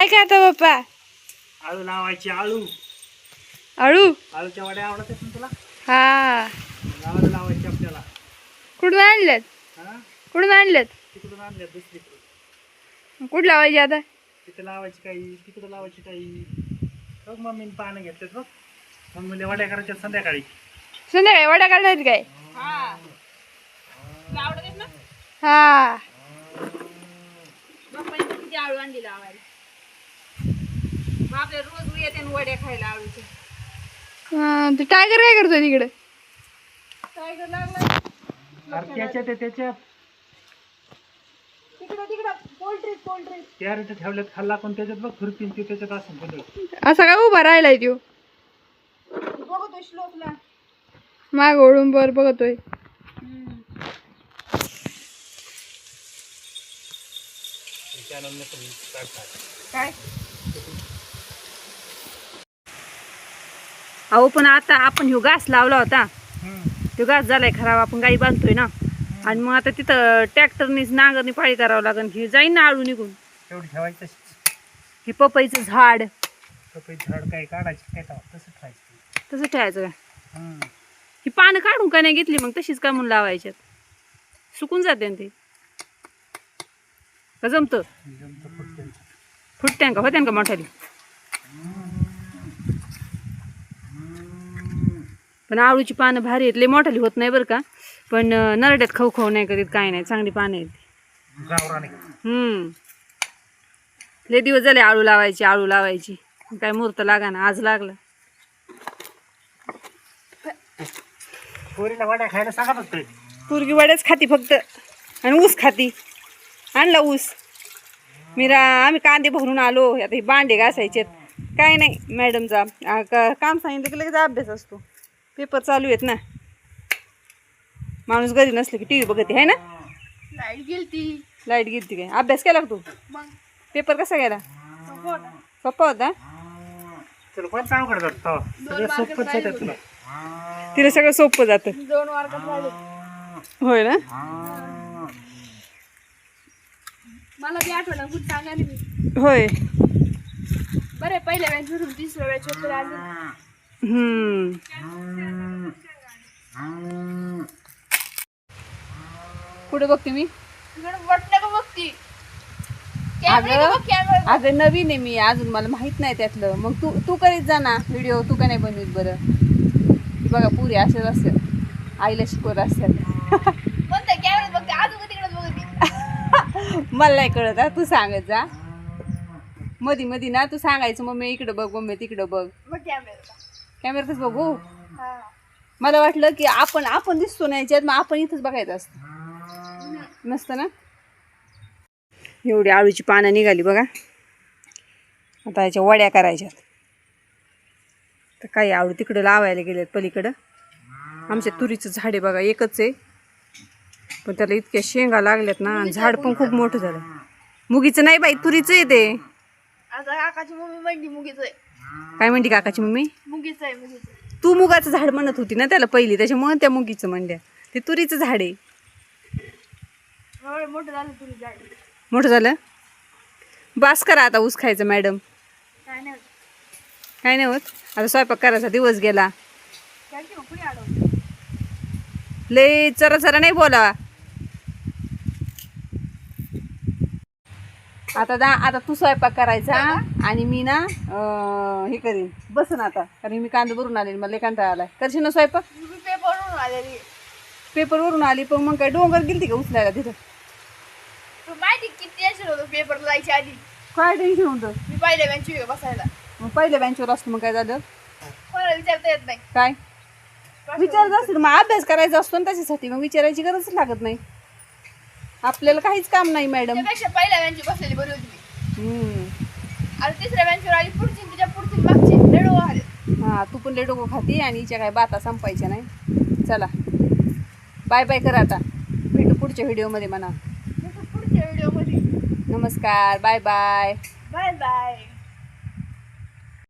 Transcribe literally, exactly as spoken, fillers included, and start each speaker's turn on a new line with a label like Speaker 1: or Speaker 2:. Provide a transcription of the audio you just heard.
Speaker 1: काय करता पप्पा?
Speaker 2: आळू लावायची. आळू
Speaker 1: आळू
Speaker 2: आळूच्या वड्या आवडतात ना तुला?
Speaker 1: हा.
Speaker 2: आळू लावायची आपल्याला.
Speaker 1: कुठून आणल्यात?
Speaker 2: हा
Speaker 1: कुठून आणल्यात?
Speaker 2: तिकडून आणल्यात दुसरीकडे.
Speaker 1: कुठं लावायची आता?
Speaker 2: तिथे लावायची काही, तिकडे लावायची काही. बघ मम्मीने पानं घेतलेत बघ. मम्मीला वड्या करायच्या संध्याकाळी.
Speaker 1: संध्याकाळी वड्या काढतात काय?
Speaker 3: हा आवडत ना.
Speaker 1: हा.
Speaker 3: बाप्पाने किती आळू आणली लावायला. बापरे रोज येते आणि वड्या खायला आळूचे.
Speaker 1: हा, ते टायगर काय करतोय तिकडे?
Speaker 3: टायगर लागला
Speaker 2: अरे त्याच्यात आहे, त्याच्यात
Speaker 3: तिकडं तिकडं पोल्ट्री पोल्ट्री
Speaker 2: त्या रेट ठेवल्यात खाल्ला पण त्याच्यात बघ खुरपीन ते त्याच्यात असं बदल.
Speaker 1: असा काय उभा राहिलाय त्यो?
Speaker 3: बघतोय श्लोकला.
Speaker 1: माग ओढून बर बघतोय.
Speaker 3: काय अहो पण आता आपण ह्यो घास लावला होता, तो घास झालाय खराब. आपण गाई बांधतोय ना, आणि मग आता तिथं ट्रॅक्टरनीच नांगरणी पाळी करावं लागेल. हे जाईन ना आळू निघून.
Speaker 2: तेवढी ठेवायची तशीच.
Speaker 3: हे पपईचं झाड
Speaker 2: पपईचं झाड काय काढायची काय तवा तसं ठेवायचं.
Speaker 3: तसं ठेवायचं का?
Speaker 2: हम्म.
Speaker 3: ही पानं काढून का नाही घेतली मग तशीच का म्हणून लावायच्यात? सुकून जाते ना ते. का जमतं?
Speaker 2: जमतं फुटतं.
Speaker 3: फुटत्यान का होत्यान का मोठ्याली? पण आळूची पानं भारी आहेत. लय मोठाली होत नाही बरं का, पण नरड्यात खाऊ खाऊ नाही करीत, काय नाही, चांगली पानं आहेत.
Speaker 2: गावरानी.
Speaker 3: हम्म लय दिवस झाले आळू लावायची आळू लावायची. काय मुहूर्त लागा ना, आज लागला.
Speaker 2: पोरीला वड्या खायला सांगा फक्त.
Speaker 3: पोरगी वड्याच खाती फक्त, आणि ऊस खाती. आणला ऊस. मी रा आम्ही कांदे भरून आलो. आता हे भांडे घासायचेत. काय नाही, मॅडमचा आ, का- काम सांगितलं की लगेच अभ्यास असतो. पेपर चालू आहेत ना. माणूस घरी नसलं की टी व्ही बघते आहे ना.
Speaker 1: लाईट गेलती.
Speaker 3: लाईट गेली काय? अभ्यास केला का तू?
Speaker 1: मग
Speaker 3: पेपर कसा गेला? सोपा होता.
Speaker 2: तुला कोण सांगू करतात तो सगळं सोपंच आहे तुला.
Speaker 3: तिला सगळं सोपं जातं.
Speaker 1: दोन मार्कात राहिले.
Speaker 3: होय ना.
Speaker 1: मला बी आठवलं कुठं सांगा मी.
Speaker 3: होय.
Speaker 1: बरं पहिल्या बॅच वरून तिसऱ्या बॅच वर आले.
Speaker 3: हम्म कुठे बघते मी?
Speaker 1: तिकडे वाटलं का बघती?
Speaker 3: अगं अगं नवीन आहे मी, अजून मला माहित नाही त्यातलं. मग तू तू करीत जा ना व्हिडिओ. तू का नाही बनवीत बरं? बघा पुरी असेच असतात, आईला शिकवत असतात.
Speaker 1: कोणत्या कॅमेऱ्यात बघते? अजून तिकडे बघते.
Speaker 3: मला नाही कळत हा, तू सांगत जा. मधी मधी ना तू सांगायचं मम्मी इकडं बघ, मम्मी तिकडं बघ.
Speaker 1: मग कॅमेरा.
Speaker 3: कॅमेऱ्यातच बघू.
Speaker 1: हा.
Speaker 3: मला वाटलं की आपण आपण दिसतो ना याच्यात, मग आपण इथंच बघायचं असतं. नसतं ना. एवढी आळूची पानं निघाली बघा. आता याच्या वड्या करायच्यात. तर काही आळू तिकडं लावायला गेलेत पलीकडं. आमच्या तुरीचं झाड आहे बघा, एकच आहे, पण त्याला इतक्या शेंगा लागल्यात ना, आणि झाड पण खूप मोठं झालं. मुगीचं नाही बाई, तुरीचं आहे ते.
Speaker 1: आता काकाची मम्मी म्हणली मुगीच आहे.
Speaker 3: काय म्हणते काकाची मम्मी?
Speaker 1: मुगीच आहे मुगीच.
Speaker 3: तू मुगाचं झाड म्हणत होती ना त्याला पहिली, त्याच्यामुळे त्या मुगीचं म्हणल्या. ते तुरीचं झाड आहे.
Speaker 1: एवढं मोठं झालं तुरी झाड.
Speaker 3: मोठं झालं. बास करा आता ऊस खायचं मॅडम.
Speaker 1: काय नाही होत.
Speaker 3: काय नाही होत. आता स्वयंपाक करायचा दिवस गेला.
Speaker 1: काय की मग कुणी अडवलं?
Speaker 3: लय चरा चरा नाही बोला. आता दा आता तू स्वयंपाक करायचा आणि मी ना अं, हे करीन बसन आता, कारण मी कांदा भरून आले, मला लय कंटाळा आलाय. करशील ना स्वयंपाक?
Speaker 1: मी पेपरवरून आलेली.
Speaker 3: पेपरवरून आली पण मग काय डोंगर गेलती का उचलायला तिथं?
Speaker 1: तू माहिती किती टेन्शन होतं पेपर जायच्या आधी.
Speaker 3: काय टेन्शन होतं?
Speaker 1: मी पहिल्या बेंचवर बसायला.
Speaker 3: मग पहिल्या बेंचवर असतो मग काय झालं?
Speaker 1: कोणाला विचारता येत नाही.
Speaker 3: काय विचारायचं असेल मग अभ्यास करायचा असतो ना, त्याच्यासाठी मग विचारायची गरजच लागत नाही. आपल्याला काहीच काम नाही मॅडम.
Speaker 1: त्यापेक्षा पहिल्या बेंचवर बसलेली बरी होती मी.
Speaker 3: हम्म
Speaker 1: आता तिसऱ्या बेंचवर आली, पुढची तिच्या पुढची मागची लेडो आले.
Speaker 3: हा तू पण लय डोकं खाती आणि हिच्या काय बाता संपायच्या नाही. चला बाय बाय कर आता. भेटू पुढच्या व्हिडिओमध्ये म्हणा.
Speaker 1: पुढच्या व्हिडिओ मध्ये.
Speaker 3: नमस्कार, बाय बाय.
Speaker 1: Bye bye.